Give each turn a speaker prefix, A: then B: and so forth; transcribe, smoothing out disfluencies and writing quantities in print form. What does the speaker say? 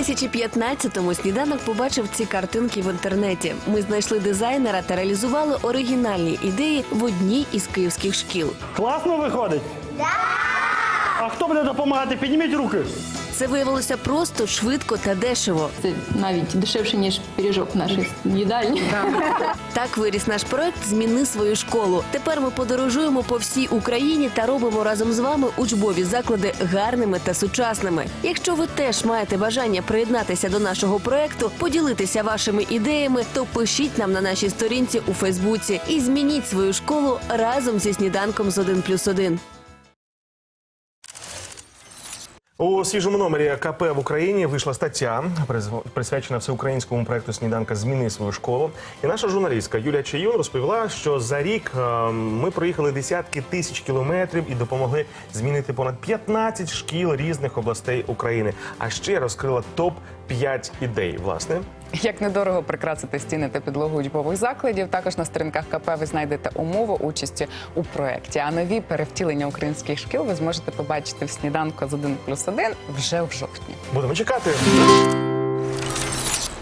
A: 2015-му «Сніданок» побачив ці картинки в інтернеті. Ми знайшли дизайнера та реалізували оригінальні ідеї в одній із київських шкіл.
B: Класно виходить? Да! А хто буде допомагати? Підніміть руки.
A: Це виявилося просто, швидко та дешево.
C: Це навіть дешевше, ніж пиріжок в нашій їдальні.
A: Так виріс наш проект «Зміни свою школу». Тепер ми подорожуємо по всій Україні та робимо разом з вами учбові заклади гарними та сучасними. Якщо ви теж маєте бажання приєднатися до нашого проекту, поділитися вашими ідеями, то пишіть нам на нашій сторінці у Фейсбуці і змініть свою школу разом зі «Сніданком з 1+1».
D: У свіжому номері КП в Україні вийшла стаття, присвячена всеукраїнському проекту «Сніданка. Зміни свою школу». І наша журналістка Юлія Чаюн розповіла, що за рік ми проїхали десятки тисяч кілометрів і допомогли змінити понад 15 шкіл різних областей України. А ще розкрила топ-5 ідей, власне.
E: Як недорого прикрасити стіни та підлогу учбових закладів. Також на сторінках КП ви знайдете умови участі у проєкті. А нові перевтілення українських шкіл ви зможете побачити в «Сніданку з 1+1» вже в жовтні.
D: Будемо чекати.